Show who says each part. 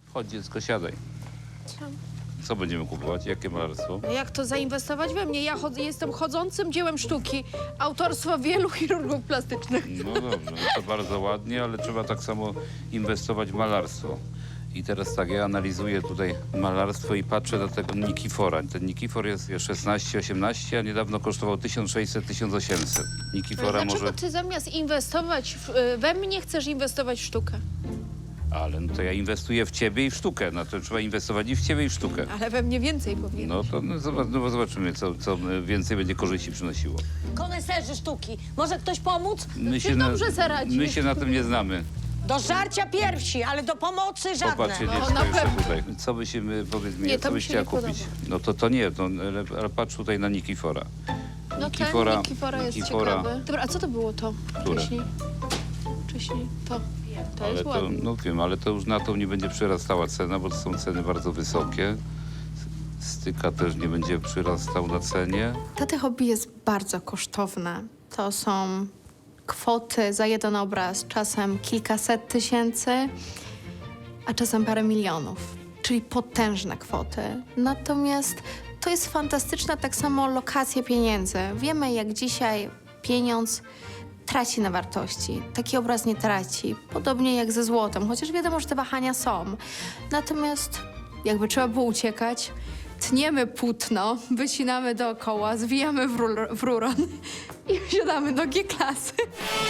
Speaker 1: Chodź dziecko, siadaj.
Speaker 2: Czemu?
Speaker 1: Co będziemy kupować? Jakie malarstwo?
Speaker 2: No jak to zainwestować we mnie? Ja jestem chodzącym dziełem sztuki. Autorstwa wielu chirurgów plastycznych.
Speaker 1: No dobrze, no to bardzo ładnie, ale trzeba tak samo inwestować w malarstwo. I teraz tak, ja analizuję tutaj malarstwo i patrzę na tego Nikifora. Ten Nikifor jest 16-18, a niedawno kosztował 1600-1800. Nikifora
Speaker 2: Dlaczego
Speaker 1: może...
Speaker 2: ty zamiast inwestować we mnie, chcesz inwestować w sztukę?
Speaker 1: Ale no to ja inwestuję w ciebie i w sztukę. No to trzeba inwestować i w ciebie i w sztukę.
Speaker 2: Ale we mnie więcej powinien.
Speaker 1: No to zobaczymy, co więcej będzie korzyści przynosiło.
Speaker 3: Koneserzy sztuki. Może ktoś pomóc?
Speaker 2: Ty dobrze zaradzisz.
Speaker 1: My się na tym nie znamy.
Speaker 3: Do żarcia piersi, ale do pomocy żadne.
Speaker 1: Popatrzcie,
Speaker 2: No,
Speaker 1: dziecko
Speaker 2: na
Speaker 1: jeszcze
Speaker 2: pewno.
Speaker 1: tutaj. Co by się, powiedz mi,
Speaker 2: Nie, to
Speaker 1: co
Speaker 2: mi
Speaker 1: byś
Speaker 2: się
Speaker 1: chciała
Speaker 2: nie
Speaker 1: kupić?
Speaker 2: podoba.
Speaker 1: No to nie, ale patrz tutaj na Nikifora.
Speaker 2: No
Speaker 1: Nikifora-
Speaker 2: ten Nikifora jest
Speaker 1: Nikifora-
Speaker 2: ciekawy. Dobra, a co to było to?
Speaker 1: Które?
Speaker 2: Wcześniej to. To
Speaker 1: Ale
Speaker 2: jest
Speaker 1: to,
Speaker 2: ładne.
Speaker 1: no wiem, ale to już na to nie będzie przyrastała cena, bo to są ceny bardzo wysokie. Styka też nie będzie przyrastał na cenie.
Speaker 2: Tate hobby jest bardzo kosztowne. To są kwoty za jeden obraz, czasem kilkaset tysięcy, a czasem parę milionów, czyli potężne kwoty. Natomiast to jest fantastyczna tak samo lokacja pieniędzy. Wiemy, jak dzisiaj pieniądz traci na wartości. Taki obraz nie traci. Podobnie jak ze złotem, chociaż wiadomo, że te wahania są. Natomiast jakby trzeba było uciekać, tniemy płótno, wycinamy dookoła, zwijamy w rulon i wsiadamy do G-klasy.